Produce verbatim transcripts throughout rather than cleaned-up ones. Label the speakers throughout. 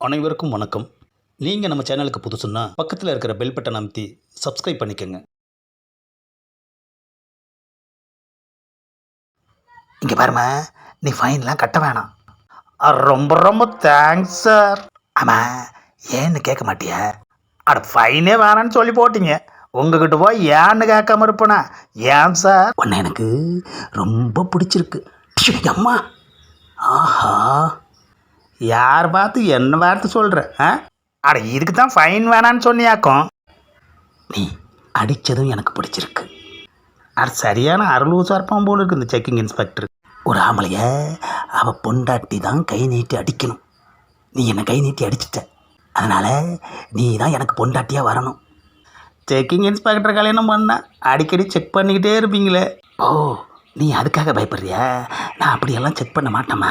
Speaker 1: அனைவருக்கும் வணக்கம். நீங்கள் நம்ம சேனலுக்கு புதுசுன்னா பக்கத்தில் இருக்கிற பெல் பட்டன் அமைத்தி சப்ஸ்கிரைப் பண்ணிக்கோங்க.
Speaker 2: இங்கே பாருமா, நீ ஃபைன்லாம் கட்ட வேணாம். அ, ரொம்ப ரொம்ப தேங்க்ஸ் சார். ஆமாம், ஏன்னு கேட்க மாட்டியா? அட, ஃபைனே வேணான்னு சொல்லி போட்டீங்க, உங்ககிட்ட போய் ஏன்னு கேட்காம இருப்பேனா? ஏன் சார்? உன்னை எனக்கு ரொம்ப பிடிச்சிருக்கு. ப்ஷு, அம்மா. ஆஹா, யார் பார்த்து என்ன வார்த்தை சொல்கிற? ஆ அட, இதுக்கு தான் ஃபைன் வேணான்னு சொன்னியாக்கும். நீ அடித்ததும் எனக்கு பிடிச்சிருக்கு. அது சரியான அருளூசா இருப்பான் போல இருக்கு இந்த செக்கிங் இன்ஸ்பெக்டர். ஒரு ஆம்பளைய அவள் பொண்டாட்டி தான் கை நீட்டி அடிக்கணும். நீ என்னை கை நீட்டி அடிச்சிட்ட, அதனால் நீ தான் எனக்கு பொண்டாட்டியாக வரணும். செக்கிங் இன்ஸ்பெக்டர் கல்யாணம் பண்ண அடிக்கடி செக் பண்ணிக்கிட்டே இருப்பீங்களே. ஓ, நீ அதுக்காக பயப்படுறியா? நான் அப்படியெல்லாம் செக் பண்ண மாட்டேம்மா.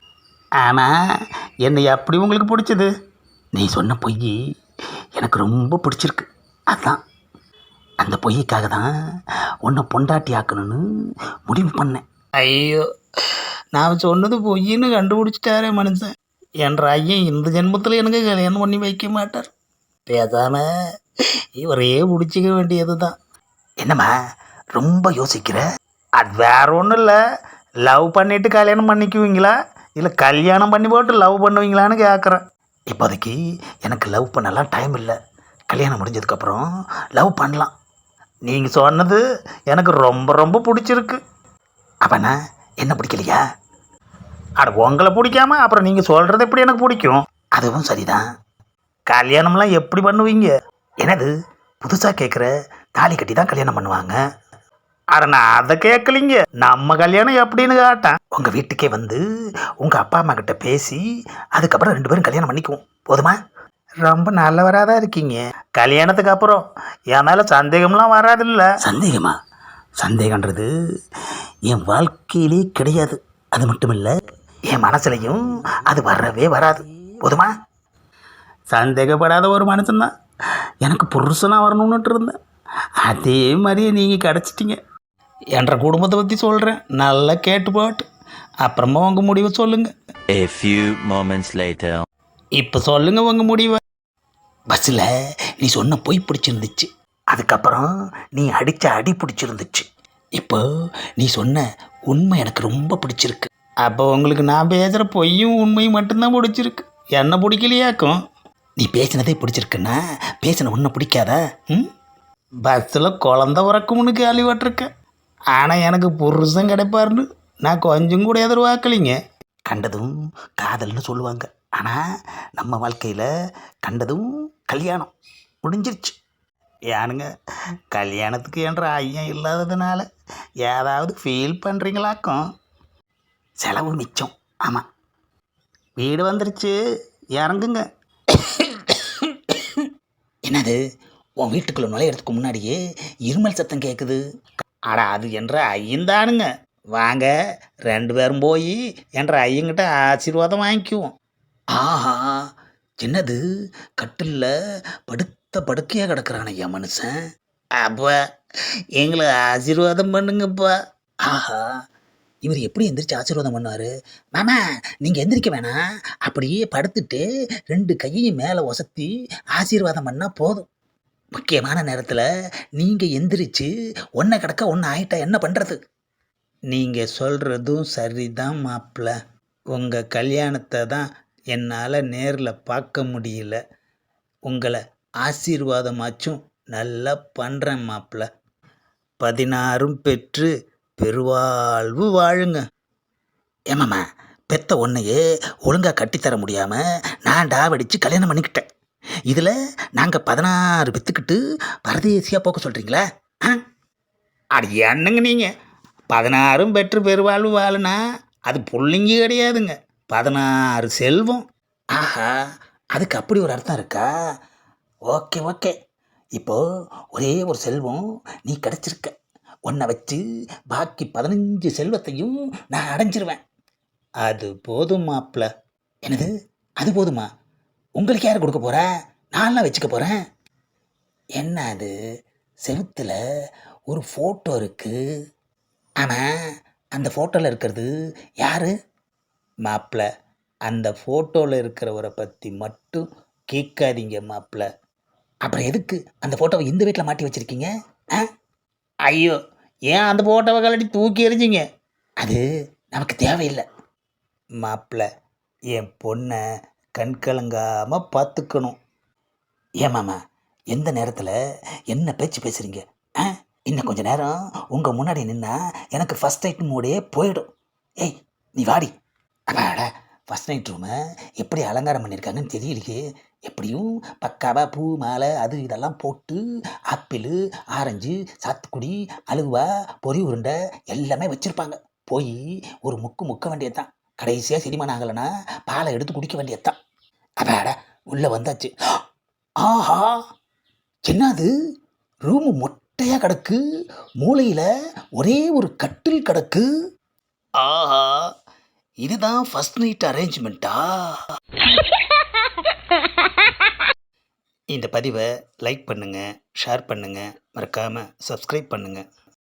Speaker 2: ஆமாம், என்னை எப்படி உங்களுக்கு பிடிச்சது? நீ சொன்ன பொய் எனக்கு ரொம்ப பிடிச்சிருக்கு. அதுதான், அந்த பொய்க்காக தான் உன்னை பொண்டாட்டி ஆக்கணும்னு முடிவு பண்ணேன். ஐயோ, நான் சொன்னது பொய்ன்னு கண்டுபிடிச்சிட்டாரே மனுஷன். என்ற ஐயன் இந்த ஜென்மத்தில் எனக்கு கல்யாணம் பண்ணி வைக்க மாட்டார். பேசாம இவரையே பிடிச்சிக்க வேண்டியது தான். என்னம்மா ரொம்ப யோசிக்கிற? அது வேற ஒன்றும் இல்லை. லவ் பண்ணிட்டு கல்யாணம் பண்ணிக்குவீங்களா, இல்லை கல்யாணம் பண்ணி போட்டு லவ் பண்ணுவீங்களான்னு கேட்குறேன். இப்போதைக்கு எனக்கு லவ் பண்ணலாம் டைம் இல்லை. கல்யாணம் முடிஞ்சதுக்கப்புறம் லவ் பண்ணலாம். நீங்கள் சொன்னது எனக்கு ரொம்ப ரொம்ப பிடிச்சிருக்கு. அப்பண்ணா என்ன பிடிக்கலையா? அட, உங்களை பிடிக்காம அப்புறம் நீங்கள் சொல்கிறது எப்படி எனக்கு பிடிக்கும்? அதுவும் சரிதான். கல்யாணம்லாம் எப்படி பண்ணுவீங்க? என்னது புதுசாக கேட்குற? தாலி கட்டி தான் கல்யாணம் பண்ணுவாங்க. அட, நான் அதை கேட்கலிங்க. நம்ம கல்யாணம் எப்படின்னு கேட்டேன். உங்கள் வீட்டுக்கே வந்து உங்கள் அப்பா அம்மா கிட்ட பேசி அதுக்கப்புறம் ரெண்டு பேரும் கல்யாணம் பண்ணிக்குவோம், போதுமா? ரொம்ப நல்லவராக தான் இருக்கீங்க. கல்யாணத்துக்கு அப்புறம் என் மேலே சந்தேகம்லாம் வராதில்ல? சந்தேகமா? சந்தேகன்றது என் வாழ்க்கையிலே கிடையாது. அது மட்டும் இல்லை, என் மனசுலையும் அது வரவே வராது, போதுமா? சந்தேகப்படாத ஒரு மனுஷன்தான் எனக்கு புருஷனாக வரணும்னுட்டு இருந்தேன். அதே மாதிரியே நீங்கள் கிடச்சிட்டிங்க. என்ற குடும்பத்தை பற்றி சொல்கிறேன், நல்லா கேட்டு போட்டு அப்புறமா உங்கள் முடிவை சொல்லுங்கள்.
Speaker 3: A few moments later.
Speaker 2: இப்போ சொல்லுங்கள் உங்கள் முடிவை. பஸ்ஸில் நீ சொன்ன பொய் பிடிச்சிருந்துச்சு, அதுக்கப்புறம் நீ அடித்த அடி பிடிச்சிருந்துச்சு, இப்போ நீ சொன்ன உண்மை எனக்கு ரொம்ப பிடிச்சிருக்கு. அப்போ உங்களுக்கு நான் பேசுகிற பொய்யும் உண்மையும் மட்டும்தான் பிடிச்சிருக்கு, என்ன பிடிக்கலையாக்கும். நீ பேசினதே பிடிச்சிருக்குன்னா பேசின ஒன்றை பிடிக்காதா? ம் பஸ்ஸில் குழந்த உறக்கும்னு கேள்விப்பட்டிருக்கேன். ஆனால் எனக்கு புருஷன் கிடைப்பாருன்னு நான் கொஞ்சம் கூட எதிர்பார்க்கலிங்க. கண்டதும் காதல்னு சொல்லுவாங்க, ஆனால் நம்ம வாழ்க்கையில் கண்டதும் கல்யாணம் முடிஞ்சிருச்சு. ஏனுங்க, கல்யாணத்துக்கு என்ற ஐயம் இல்லாததுனால ஏதாவது ஃபீல் பண்ணுறீங்களாக்கும்? செலவு மிச்சம். ஆமாம், வீடு வந்துருச்சு, இறங்குங்க. என்னது, உன் வீட்டுக்குள்ளே நுழையிறதுக்கு முன்னாடியே இருமல் சத்தம் கேட்குது. அட, அது என்ற ஐயந்தானுங்க. வாங்க, ரெண்டு பேரும் போய் என்ற ஐயங்கிட்ட ஆசீர்வாதம் வாங்கிக்குவோம். ஆஹா, என்னது கட்டிலில் படுத்த படுக்கையாக கிடக்குறான் ஐயா மனுஷன். அப்பா, எங்களை ஆசீர்வாதம் பண்ணுங்கப்பா. ஆஹா, இவர் எப்படி எந்திரிச்சு ஆசீர்வாதம் பண்ணுவார்? மாமா, நீங்கள் எந்திரிக்க வேணாம், அப்படியே படுத்துட்டு ரெண்டு கையையும் மேலே ஒசத்தி ஆசீர்வாதம் பண்ணால் போதும். முக்கியமான நேரத்தில் நீங்கள் எந்திரிச்சு ஒன்றை கிடக்க ஒன்று ஆயிட்டா என்ன பண்ணுறது? நீங்கள் சொல்கிறதும் சரிதான் மாப்பிள்ள. உங்கள் கல்யாணத்தை தான் என்னால் நேரில் பார்க்க முடியல. உங்களை ஆசீர்வாதமாச்சும் நல்லா பண்ணுறேன் மாப்பிள்ள. பதினாறும் பெற்று பெருவாழ்வு வாழுங்க. ஏமாம்மா, பெத்த ஒன்றையே ஒழுங்காக கட்டித்தர முடியாமல் நான் டாவடித்து கல்யாணம் பண்ணிக்கிட்டேன். இதில் நாங்கள் பதினாறு பெற்றுக்கிட்டு பரதேசியாக போக்க சொல்கிறீங்களா? ஆ அது என்னங்க நீங்கள்? பதினாறும் பெற்று பெருவாழ்வு வாழுனா அது பிள்ளைங்க கிடையாதுங்க, பதினாறு செல்வம். ஆஹா, அதுக்கு அப்படி ஒரு அர்த்தம் இருக்கா? ஓகே ஓகே, இப்போது ஒரே ஒரு செல்வம் நீ கிடச்சிருக்க, ஒன்றை வச்சு பாக்கி பதினஞ்சு செல்வத்தையும் நான் அடைஞ்சிருவேன். அது போதும் மாப்பிள்ள. என்னது, அது போதுமா? உங்களுக்கு யார் கொடுக்க போகிறா? நான்லாம் வச்சுக்க போகிறேன். என்ன அது, செவுத்தில் ஒரு ஃபோட்டோ இருக்குது. ஆனால் அந்த ஃபோட்டோவில் இருக்கிறது யார்? மாப்பிள்ள, அந்த ஃபோட்டோவில் இருக்கிறவரை பற்றி மட்டும் கேட்காதீங்க மாப்பிள்ள. அப்புறம் எதுக்கு அந்த ஃபோட்டோவை இந்த வீட்டில் மாட்டி வச்சுருக்கீங்க? ஆ ஐயோ, ஏன் அந்த ஃபோட்டோவை கழட்டி தூக்கி எறிஞ்சிங்க? அது நமக்கு தேவையில்லை. மாப்பிள்ள, என் பொண்ணை கண் கலங்காமல் பார்த்துக்கணும். ஏன் மாமா, எந்த நேரத்தில் என்ன பேச்சு பேசுகிறீங்க? ஆ இன்னும் கொஞ்சம் நேரம் உங்கள் முன்னாடி நின்னா எனக்கு ஃபஸ்ட் நைட் மூடே போயிடும். ஏய் நீ வாடி. அப்பாடா, ஃபஸ்ட் நைட் ரூமை எப்படி அலங்காரம் பண்ணியிருக்காங்கன்னு தெரியலையே. எப்படியும் பக்காவாக பூ மாலை அது இதெல்லாம் போட்டு ஆப்பிள் ஆரஞ்சு சாத்துக்குடி அலுவா பொரி உருண்டை எல்லாமே வச்சுருப்பாங்க. போய் ஒரு முக்கு முக்க வேண்டியது தான். கடைசியாக செரிமானம் ஆகலைன்னா பாலை எடுத்து குடிக்க வேண்டியது தான். அப்பாடா, உள்ளே வந்தாச்சு. ஆஹா, என்னது ரூமு மொட்டையாக கிடக்கு, மூலையில் ஒரே ஒரு கட்டில் கிடக்கு. ஆஹா, இதுதான் ஃபர்ஸ்ட் நைட் அரேஞ்ச்மெண்ட்டா? இந்த பதிவை லைக் பண்ணுங்கள், ஷேர் பண்ணுங்கள், மறக்காமல் சப்ஸ்கிரைப் பண்ணுங்கள்.